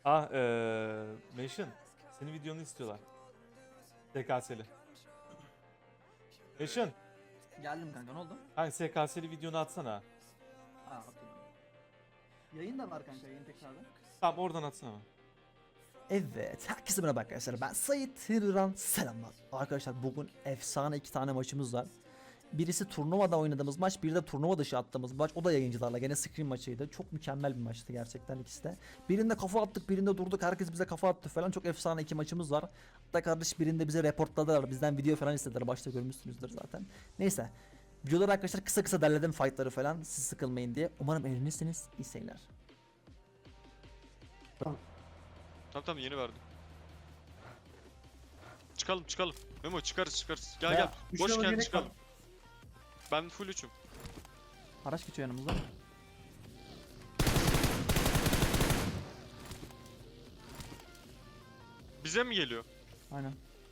Meşin. Senin videonu istiyorlar. SKS'li. Meşin. Geldim kanka, ne oldu? Hangi SKS'li videonu atsana. Aa, okey. Yayın da var kanka, yayın tekrardan. Tamam oradan atsana. Evet, herkese merhaba arkadaşlar. Ben Sait Hırran. Selamlar. Arkadaşlar bugün efsane 2 tane maçımız var. Birisi turnuvada oynadığımız maç, biri de turnuva dışı attığımız maç. O da yayıncılarla, gene screen maçıydı. Çok mükemmel bir maçtı gerçekten ikisi de. Birinde kafa attık, birinde durduk. Herkes bize kafa attı falan. Çok efsane 2 maçımız var. Hatta kardeş birinde bize reportladılar. Bizden video falan istediler. Başta görmüşsünüzdür zaten. Neyse. Videoları arkadaşlar kısa kısa derledim fightları falan. Siz sıkılmayın diye. Umarım eğlenirsiniz. İyi seyirler. Tamam yeni verdim. Çıkalım. Memo çıkarız. Gel Ya, gel. üç Boş level gel gerek çıkalım. var. Ben full 3'üm. Araç geçiyor yanımızda. Bize mi geliyor? Aynen.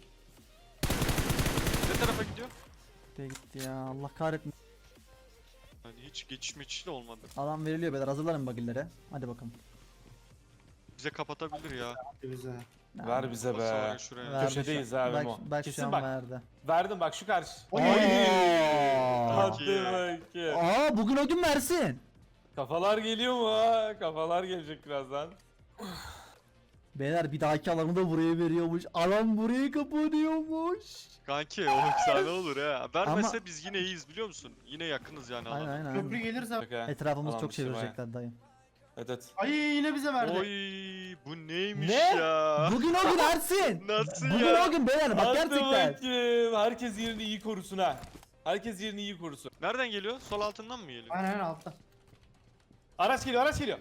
Ne tarafa gidiyor? Buraya gitti ya. Allah kahretmesin. Yani hiç geçiş de olmadı. Alan veriliyor beyler, hazırlanın bagillere. Hadi bakalım. Bize kapatabilir ya. Bize. Ver bize be. Basar şuraya. Verdi Köşedeyiz şu an. ha Memo. Bak Kesin şu an bak. verdi. Verdim bak şu karşı. Oy! Hadi iyi. bakayım. Aa, bugün o gün versin. Kafalar geliyor mu ha? Kafalar gelecek birazdan. Beyler bir dahaki alanı da buraya veriyormuş. Alan buraya kapanıyormuş. Kanki o efsane olur ha. Vermese Ama- biz yine iyiyiz biliyor musun? Yine yakınız yani Aynen alana. aynen. Köprü aynen. gelirse. Bak ha. Etrafımız Alan çok dışı bayağı. çevirecekler dayı. Evet. Ay yine bize verdi. Oy bu neymiş Ne? ya? Bugün o gün Ersin. Nasıl Bugün ya? o gün beyler, bak Hadi gerçekten. bakayım. Herkes yerini iyi korusun ha. Herkes yerini iyi korusun. Nereden geliyor? Sol altından mı geliyor? Aynen altta. Araç geliyor.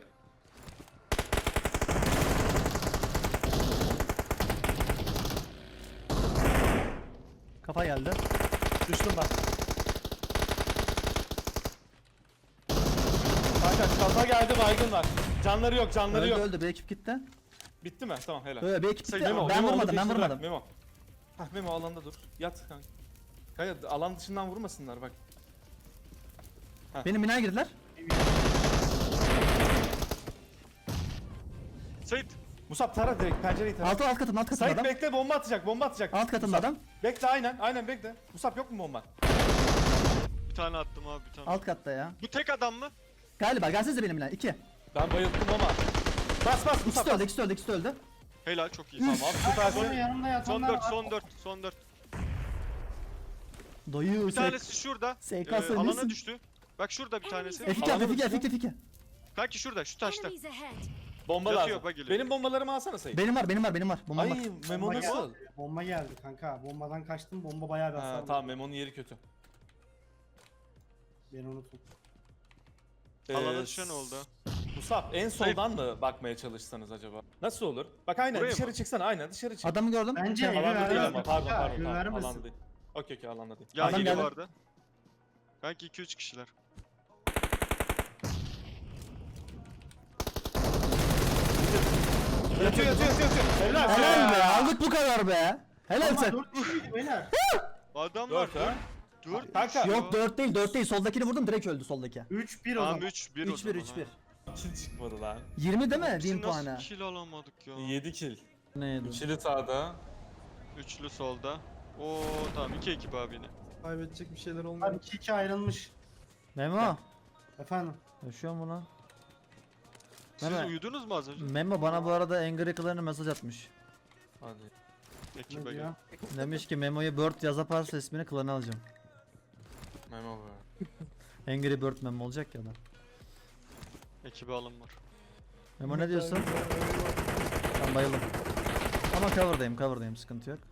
Kafa geldi. Düştüm ben. Kanka kafa geldi, baygın var. Canları yok. Öldü yok. öldü, bir ekip gitti. Bitti mi? Tamam helal. Böyle bir ekip gitti. Memo, Ben Memo, onu vurmadım, ben peşine bırak, vurmadım. Memo. Hah Memo alanda dur. Yat kanka. Kaya alan dışından vurmasınlar bak. Benim binaya girdiler. Sait. Musab tara direkt pencereyi tara. Alt katında Sait adam. bekle, bomba atacak. Alt katında adam. Bekle aynen bekle. Musab yok mu bomba? Bir tane attım abi bir tane. Alt katta ya. Bu tek adam mı? Galiba gelsenize benim binaya. 2. Ben bayıldım ama. Bas Musab. İkisi de öldü. Helal çok iyi. Tamam Sonra süpersin. yanımda Son yatanlar 4 var. son 4. Dayı Bir tanesi şurada. SKS alana nesin? düştü. Bak şurada bir tanesi. F2. Kanki şurada şu taşta. Enemies ahead. Bomba Yatıyor, lazım. bak geliyor. Benim bombalarımı alsana Sait. Benim var. Bomba Ay var. Memo Bomba nasıl? geldi. Bomba geldi kanka. Bombadan kaçtım. Bomba bayağı bir hasar Ha, vurdu. tamam Memo'nun yeri kötü. Beni unutun. Alana düşen oldu. Musab en soldan mı bakmaya çalışsanız acaba? Nasıl olur? Bak aynen Buraya dışarı mı? çıksana, aynen dışarı çık. Adamı gördüm. Bence evi Alanda değil vermez. ama pardon Ya, pardon evi tamam vermesin. alanda değil. Okey alanda değil. Ya Adam geliyor geldi. vardı. Kanki 2-3 kişiler. Yatıyor. Helal Helal be, be. aldık bu kadar be. Helal Ama sen. 4 kişiydi beyler. Adamlar 4 ha? 4 Kanka. Yok 4 değil. Soldakini vurdum, direkt öldü soldaki. 3-1 o Tamam zaman. 3-1 o 3-1. zaman. Kill çıkmadı lan. 20 değil mi? Biz 1000 nasıl puanı. kill alamadık ya? 7 kill. Neydi? İkili sağda. Üçlü solda. Oo tamam 2 ekip abi yine. Kaybedecek bir şeyler Abi olmuyor. 2-2 ayrılmış. Memo. Efendim. Yaşıyor mu lan? Siz Mehmet. uyudunuz mu az önce? Memo bana bu arada Angry Clan'a mesaj atmış. Hadi. Ne Ekibe gel. diyor? Demiş ki Memo'yu Bird yazaparsa ismini Clan'a alacağım. Memo be. Angry Bird Memo olacak ya da. Ekibe alım var. Memo ne diyorsun? Ben bayıldım. Ama cover'dayım, sıkıntı yok.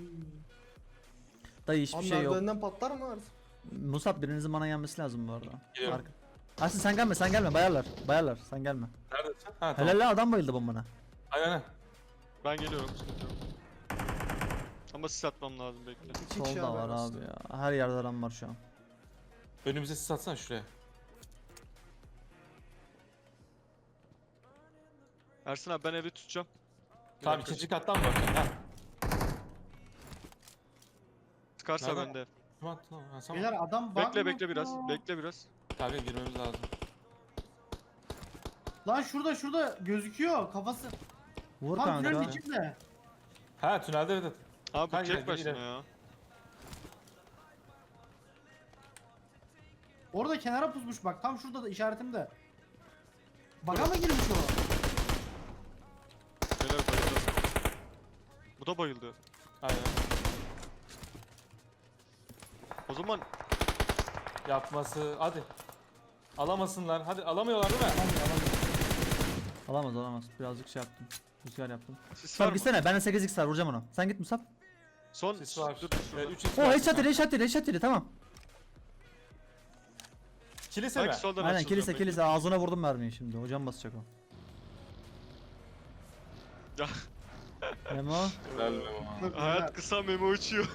Dayı hiçbir Abi şey yok. merdivenden patlar mı artık? Musab, birinizin bana gelmesi lazım bu arada. Geliyorum. Aslında sen gelme bayarlar sen gelme. Neredesin? Ha tamam. Helal lan, adam bayıldı bombana. Aynen. Ben geliyorum sıkıntı yok. Ama sis atmam lazım bekle. 2 kişi Solda var abi aslında. ya. Her yerde adam var şu an. Önümüze sis atsana şuraya. Ersin abi ben evi tutacağım. Tamam dakika. ikinci kattan mı bakıyorsun? Ha. Çıkarsa Nerede? bende. Tamam. Ha, tamam. Beyler adam Bekle biraz. Bekle biraz. Kanka girmemiz lazım. Lan şurada gözüküyor kafası. Vur Tam tünelin kanka. içinde. Ha tünelde evet. Abi bu Kanka, tek başına ileri. ya. Orada kenara pusmuş bak. Tam şurada da işaretimde. Baga mı girmiş o? Beyler bayıldı. Bu da bayıldı. Aynen. O zaman Yapması hadi. Alamasınlar. Hadi alamıyorlar değil mi? Alamaz. Birazcık şey yaptım. Rüzgar yaptım. sis var Musab mı? gitsene. Ben de 8x var. Vuracağım onu. Sen git Musab. Son Sis var. dur şurada. 3x O var. headshot yedi. Tamam. Kilise mi? Belki soldan Aynen açılacağım kilise. Ağzına vurdum mermiyi şimdi. Hocam basacak o. Ya. Memo. belki. Hayat kısa, memo uçuyor.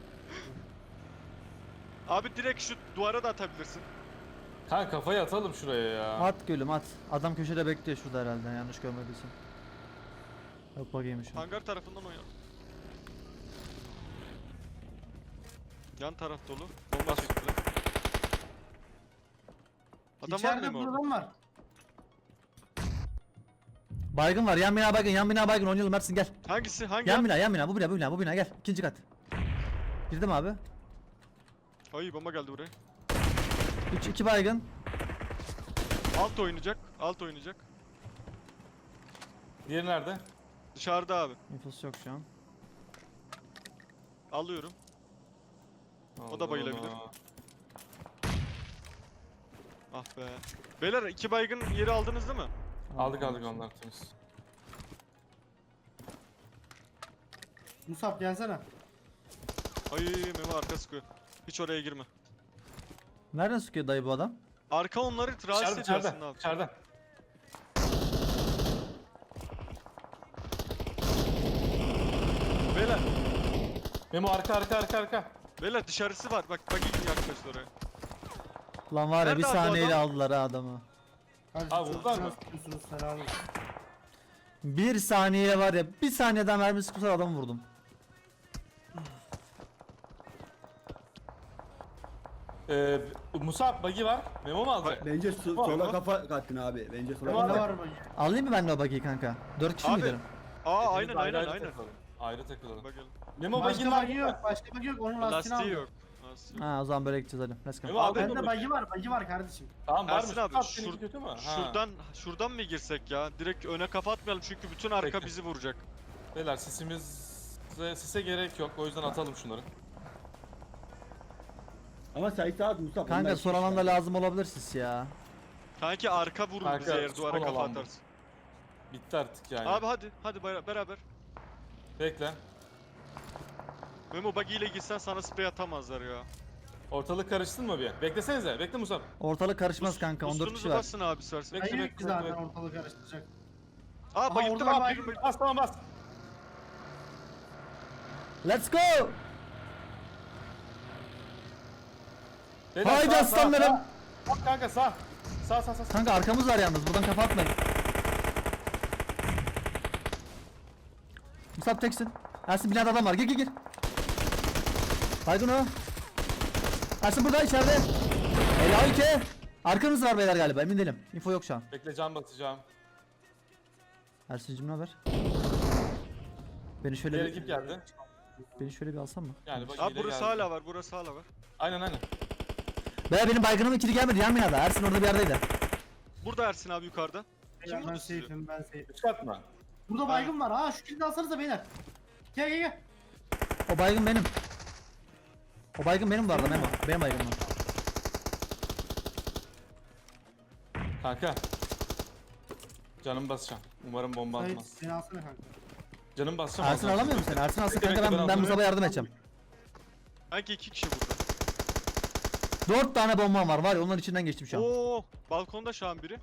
Abi direkt şu duvara da atabilirsin. Kanka kafayı atalım şuraya ya. At gülüm at. Adam köşede bekliyor şurada herhalde yanlış görmediysem. Yok bakayım şu. Hangar tarafından oyna. Yan taraf dolu. Bomba çektiler. Adam var İçeride mı orada? buradan var. Baygın var. Yan bina baygın. Oynayalım Ersin gel. Hangisi? Hangi? Yan bina. Bu bina gel. İkinci kat. Girdi mi abi? Ay bomba geldi buraya. 2 baygın. Alt oynayacak. Alt oynayacak. Diğeri nerede? Dışarıda abi. İnfosu yok şu an. Alıyorum. O da bayılabilir. Ah be. Beyler 2 baygın yeri aldınız değil mi? Aldık onlar temiz. Musab gelsene. Ay memo arka sıkıyor. Hiç oraya girme. Nereden sıkıyor dayı bu adam? Arka onları rahatsız ediyor aslında abi. İçeride. Beyler. Memo arka. Beyler dışarısı var. Bak gibi yaklaştı oraya. Lan var ya Nerede bir abi bu saniyeyle adam? aldılar ha adamı. Hadi Abi buradan mı? Tutuyorsunuz helal olsun. Bir saniye var ya bir saniyeden mermi sıkmışlar adamı vurdum. Musab buggy var. Memo mu alacak? Bence Var sola mı? kafa kattın abi. Bence sola Var Ne kafa. var bak. Alayım mı ben de o buggy'yi kanka? 4 kişi mi Abi, gidelim? Aa Hepimiz aynen. takılalım. Ayrı takılalım. Bakalım. Memo Başka buggy'nin var bagi mı? yok. Başka bagi yok. Onun lastiğini Lastiği aldım. yok. Lastiği yok. Ha o zaman böyle gideceğiz hadi. Let's go. Memo aldın Bende mı? bagi var. Bagi var kardeşim. Tamam var Ersin mı? abi, Abi seninki kötü mü? Ha. Şuradan mı girsek ya? Direkt öne kafa atmayalım çünkü bütün arka Peki. bizi vuracak. Beyler sise gerek yok. O yüzden atalım şunları. Ama Sait at Mustafa. Kanka son alanda lazım olabilir siz ya. Kanki arka vurur Arka, bize eğer duvara sol kafa alan bu. atarsın. Bitti artık yani. Abi hadi beraber. Bekle. Memo buggy ile gitsen sana sprey atamazlar ya. Ortalık karıştın mı bir? Beklesenize. Bekle Musab. Ortalık karışmaz kanka 14 Boost'unuzu kişi var. basın abi istersen. Bekle, Bagi yok bekle, ki zaten bekle. ortalığı karıştıracak. Aa bayıldı orada lan. var, birini Bas tamam bas. Let's go! Beyler, Haydi sağ, aslanlarım! sağ. Bak kanka sağ. Sağ. Kanka arkamız var yalnız buradan kafa atmayın. Musab teksin. Ersin binada adam var gir. Baygın o. Ersin burada içeride. Helal ki. Arkanız var beyler galiba emin değilim. Info yok şu an. Bekle can basacağım. Ersin'cim ne haber? Beni Diğer şöyle ekip geldi. bir alsam mı? Yani bak Abi burası hala var. Burası hala var. Aynen. Beyler benim baygınım ikili gelmedi yan binada. Ersin orada bir yerdeydi. Burada Ersin abi yukarıda. Kim Ben vurdu sizi? safe'im ben safe. Üç kat mı? Burada baygın var. Ha şu kilidi alsanıza beyler. Gel. O baygın benim. O baygın benim bu arada Memo. Benim baygınım. Kanka. Canım basacağım. Umarım bomba Sait atmaz. seni alsana kanka. Canım basacağım. Ersin alacağım. alamıyor musun sen? Ersin alsın Bekle, kanka bekle, ben alayım. Musab'a yardım edeceğim. Sanki 2 kişi burada. 4 tane bombam var ya onların içinden geçtim şu an. Oo, balkonda şu an biri.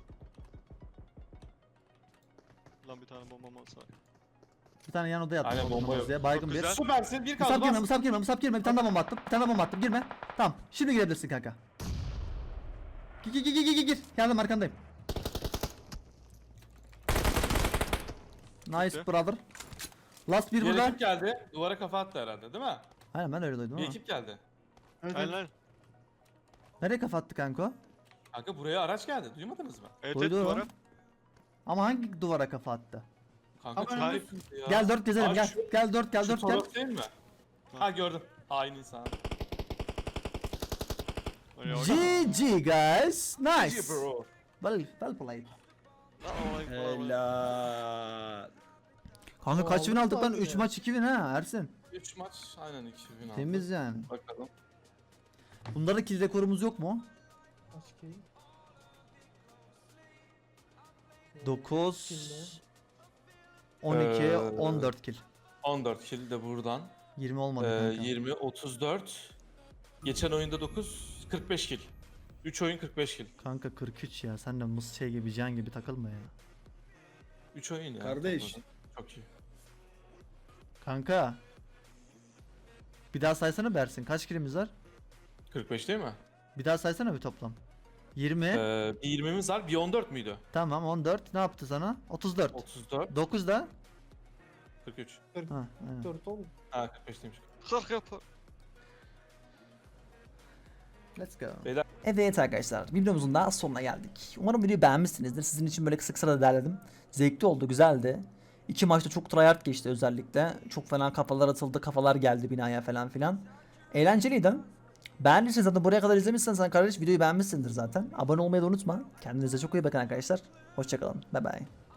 Lan bir tane bombam olsa. Bir tane yan odaya attım. Aynen, bomba yok. Ya. Baygın Çok bir. güzel. Süpersin. Bir kaldı Musab girme, bas. Musab girme. Bir tane daha bomba attım. Bir tane daha bomba attım. Girme. Tamam. Şimdi girebilirsin kanka. Gir. Geldim arkandayım. Nice Bitti. brother. Last bir Bir burada. ekip geldi. Duvara kafa attı herhalde değil mi? Aynen ben öyle duydum Bir ama. ekip geldi. Evet, Aynen. aynen. Nereye kafa attı kanka o? Kanka buraya araç geldi. Duymadınız mı? Evet Duydu o. duvara. Ama hangi duvara kafa attı? Kanka çok Ama ayıp ya. Gel 4 gezelim Aa, gel. şu- Gel 4 gel Şu 4 gel. taraf değil mi? Ha gördüm. Hain insan. Öyle bak. GG guys. Nice. GG bro. Well played. Lan olay falan. Helal. Kanka kaç win aldık lan? Aldık 3 abi. maç 2 win ha Ersin. 3 maç aynen 2000 aldı. Temiz yani. Bakalım. Bunlarda kill rekorumuz yok mu? Kaç kill? 9 12 14 kill. 14 kill de buradan. 20 olmadı kanka. 20, 34. Geçen oyunda 9, 45 kill. 3 oyun 45 kill. Kanka 43 ya. Sen de mıs şey gibi can gibi takılma ya. 3 oyun ya. Kardeş. topladım. Çok iyi. Kanka. Bir daha saysana Bersin. Kaç killimiz var? 45 değil mi? Bir daha saysana bir toplam. 20. Bir 20'miz var. Bir 14 müydü? Tamam 14. Ne yaptı sana? 34. 34, 9 da. 43. Ha, aynen. 4 oğlum. Ha 45 demiş. 40 yapar. Let's go. Beyler- Evet arkadaşlar videomuzun daha sonuna geldik. Umarım videoyu beğenmişsinizdir. Sizin için böyle kısa kısa da derledim. Zevkli oldu, güzeldi. 2 maçta çok tryhard geçti özellikle. Çok fena kafalar atıldı, kafalar geldi binaya falan filan. Eğlenceliydi. Beğendiyseniz zaten buraya kadar izlemişsen sen kardeş videoyu beğenmişsindir zaten. Abone olmayı da unutma. Kendinize çok iyi bakın arkadaşlar. Hoşçakalın. Bye bye.